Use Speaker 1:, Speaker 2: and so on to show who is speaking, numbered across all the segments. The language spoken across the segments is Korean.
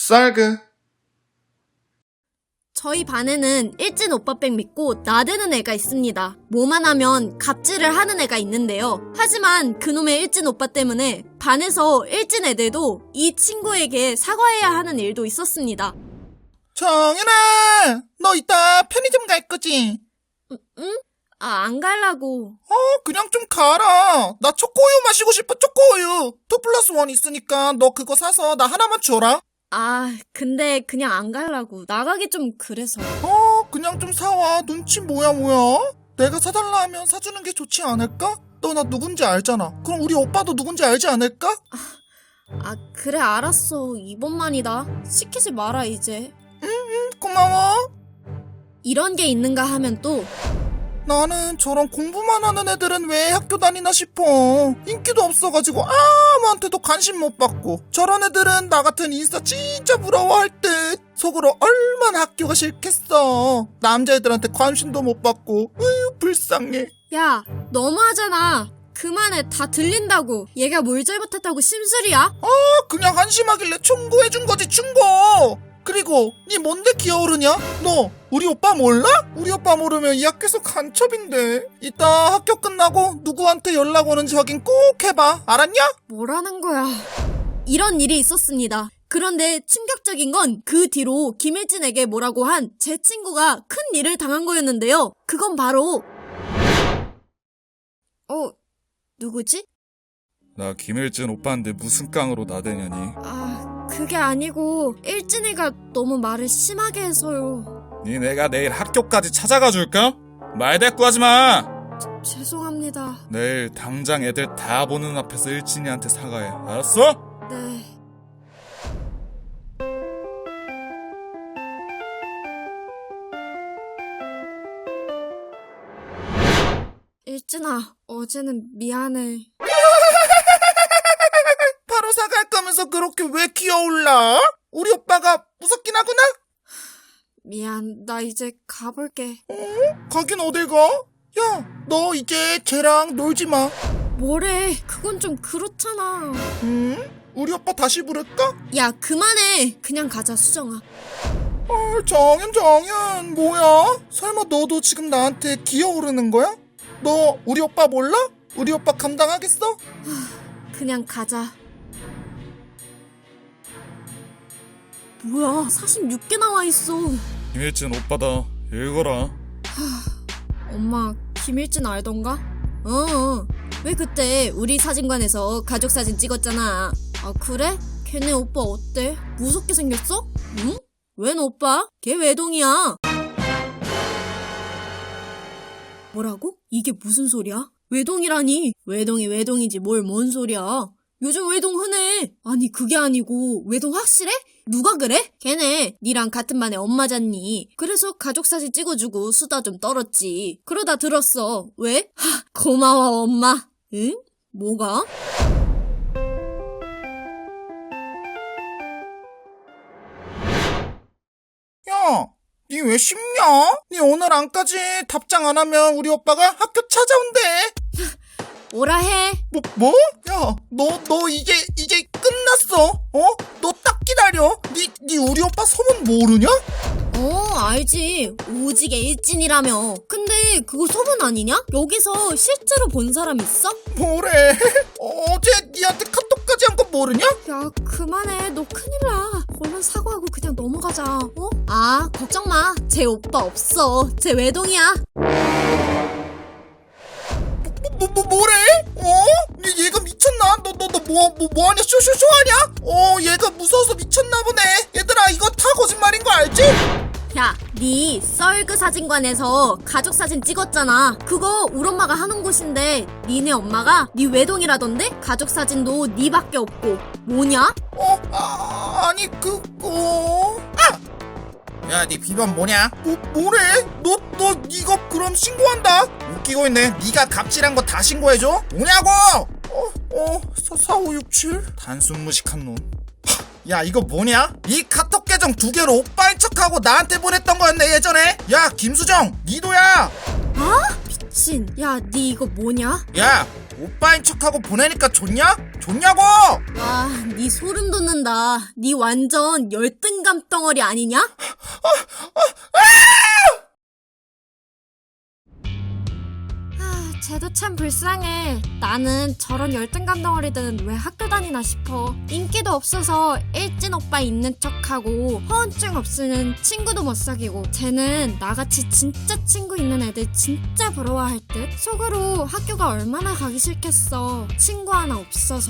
Speaker 1: 쌀그.
Speaker 2: 저희 반에는 일진 오빠백 믿고 나대는 애가 있습니다. 뭐만 하면 갑질을 하는 애가 있는데요. 하지만 그놈의 일진 오빠 때문에 반에서 일진 애들도 이 친구에게 사과해야 하는 일도 있었습니다.
Speaker 3: 정연아, 너 이따 편의점 갈 거지?
Speaker 2: 응? 안 갈라고.
Speaker 3: 그냥 좀 가라. 나 초코우유 마시고 싶어, 초코우유. 2+1 있으니까 너 그거 사서 나 하나만 줘라.
Speaker 2: 근데 그냥 안 갈라고. 나가기 좀 그래서.
Speaker 3: 그냥 좀 사와. 눈치 뭐야. 내가 사달라 하면 사주는 게 좋지 않을까? 너 나 누군지 알잖아. 그럼 우리 오빠도 누군지 알지 않을까?
Speaker 2: 그래 알았어. 이번만이다. 시키지 마라 이제.
Speaker 3: 고마워.
Speaker 2: 이런 게 있는가 하면 또
Speaker 3: 나는 저런 공부만 하는 애들은 왜 학교 다니나 싶어. 인기도 없어가지고 아무한테도 관심 못 받고. 저런 애들은 나 같은 인싸 진짜 부러워할 듯. 속으로 얼마나 학교가 싫겠어. 남자애들한테 관심도 못 받고. 불쌍해.
Speaker 2: 야 너무하잖아. 그만해. 다 들린다고. 얘가 뭘 잘못했다고 심술이야?
Speaker 3: 그냥 한심하길래 충고해준 거지, 충고. 그리고 니 뭔데 기어오르냐? 너 우리 오빠 몰라? 우리 오빠 모르면 이 학교에서 간첩인데. 이따 학교 끝나고 누구한테 연락 오는지 확인 꼭 해봐. 알았냐?
Speaker 2: 뭐라는 거야. 이런 일이 있었습니다. 그런데 충격적인 건 그 뒤로 김일진에게 뭐라고 한 제 친구가 큰 일을 당한 거였는데요. 그건 바로 누구지?
Speaker 4: 나 김일진 오빠인데 무슨 깡으로 나대냐니.
Speaker 2: 그게 아니고 일진이가 너무 말을 심하게 해서요.
Speaker 4: 니 내가 내일 학교까지 찾아가 줄까? 말 대꾸하지 마.
Speaker 2: 죄송합니다.
Speaker 4: 내일 당장 애들 다 보는 앞에서 일진이한테 사과해. 알았어?
Speaker 2: 네. 일진아, 어제는 미안해.
Speaker 3: 바로 사갈 거면서 그렇게 왜 기어올라? 우리 오빠가 무섭긴 하구나?
Speaker 2: 미안, 나 이제 가볼게.
Speaker 3: 가긴 어딜 가? 야, 너 이제 쟤랑 놀지 마.
Speaker 2: 뭐래, 그건 좀 그렇잖아.
Speaker 3: 우리 오빠 다시 부를까?
Speaker 2: 야, 그만해. 그냥 가자, 수정아.
Speaker 3: 정연, 뭐야? 설마 너도 지금 나한테 기어오르는 거야? 너 우리 오빠 몰라? 우리 오빠 감당하겠어?
Speaker 2: 그냥 가자. 뭐야, 46개 나와있어.
Speaker 4: 김일진 오빠다. 읽어라.
Speaker 2: 엄마, 김일진 알던가? 왜 그때 우리 사진관에서 가족 사진 찍었잖아. 그래? 걔네 오빠 어때? 무섭게 생겼어? 응? 웬 오빠? 걔 외동이야. 뭐라고? 이게 무슨 소리야? 외동이라니? 외동이지 뭘 뭔 소리야. 요즘 외동 흔해. 아니 그게 아니고 외동 확실해? 누가 그래? 걔네 니랑 같은 반에 엄마잖니. 그래서 가족사진 찍어주고 수다 좀 떨었지. 그러다 들었어. 왜? 고마워 엄마. 응? 뭐가?
Speaker 3: 야, 니 왜 쉽냐? 니 오늘 안까지 답장 안 하면 우리 오빠가 학교 찾아온대.
Speaker 2: 뭐라 해?
Speaker 3: 뭐? 야, 너 이제 끝났어. 너 딱 기다려. 니 우리 오빠 소문 모르냐?
Speaker 2: 알지. 오지게 일진이라며. 근데 그거 소문 아니냐? 여기서 실제로 본 사람 있어?
Speaker 3: 뭐래? 어제 니한테 카톡까지 한 거 모르냐?
Speaker 2: 야, 그만해. 너 큰일 나. 얼른 사과하고 그냥 넘어가자. 걱정 마. 제 오빠 없어. 제 외동이야.
Speaker 3: 뭐래? 얘가 미쳤나? 너 뭐하냐? 쇼하냐? 얘가 무서워서 미쳤나 보네. 얘들아, 이거 다 거짓말인 거 알지?
Speaker 2: 야, 니 썰그 사진관에서 가족 사진 찍었잖아. 그거 우리 엄마가 하는 곳인데 니네 엄마가 니 외동이라던데? 가족 사진도 니밖에 없고. 뭐냐?
Speaker 3: 아니 그거. 야, 니 비번 뭐냐? 뭐래? 너 이거 그럼 신고한다. 웃기고 있네. 니가 갑질한 거 다 신고해줘? 뭐냐고? 4567 단순 무식한 놈. 야, 이거 뭐냐? 이 카톡 계정 2개로 오빠인 척하고 나한테 보냈던 거였네 예전에. 야, 김수정, 니도야.
Speaker 2: 미친. 야, 니 이거 뭐냐?
Speaker 3: 야, 오빠인 척하고 보내니까 좋냐? 좋냐고!
Speaker 2: 와, 니 소름 돋는다. 니 완전 열등감 덩어리 아니냐? 쟤도 참 불쌍해. 나는 저런 열등감 덩어리들은 왜 학교 다니나 싶어. 인기도 없어서 일진 오빠 있는 척하고 허언증 없으면 친구도 못 사귀고, 쟤는 나같이 진짜 친구 있는 애들 진짜 부러워할 듯. 속으로 학교가 얼마나 가기 싫겠어. 친구 하나 없어서.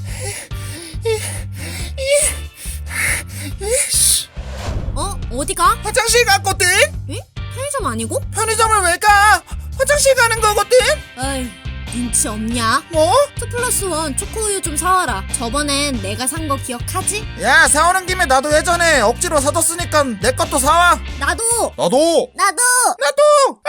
Speaker 2: 어디가?
Speaker 3: 화장실 갔거든?
Speaker 2: 편의점 아니고?
Speaker 3: 편의점을 왜 가? 화장실 가는 거거든?
Speaker 2: 어이, 눈치 없냐?
Speaker 3: 뭐?
Speaker 2: 2+1 초코우유 좀 사와라. 저번엔 내가 산 거 기억하지?
Speaker 3: 야, 사오는 김에 나도 예전에 억지로 사뒀으니까 내 것도 사와.
Speaker 2: 나도!
Speaker 4: 나도!
Speaker 2: 나도!
Speaker 3: 나도!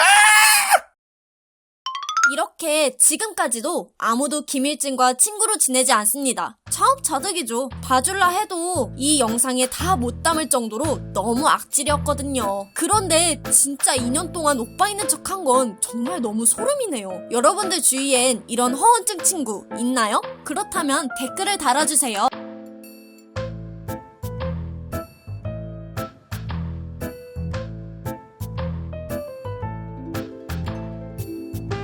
Speaker 2: 이렇게 지금까지도 아무도 김일진과 친구로 지내지 않습니다. 차업자득이죠. 봐줄라 해도 이 영상에 다 못 담을 정도로 너무 악질이었거든요. 그런데 진짜 2년 동안 오빠 있는 척한 건 정말 너무 소름이네요. 여러분들 주위엔 이런 허언증 친구 있나요? 그렇다면 댓글을 달아주세요.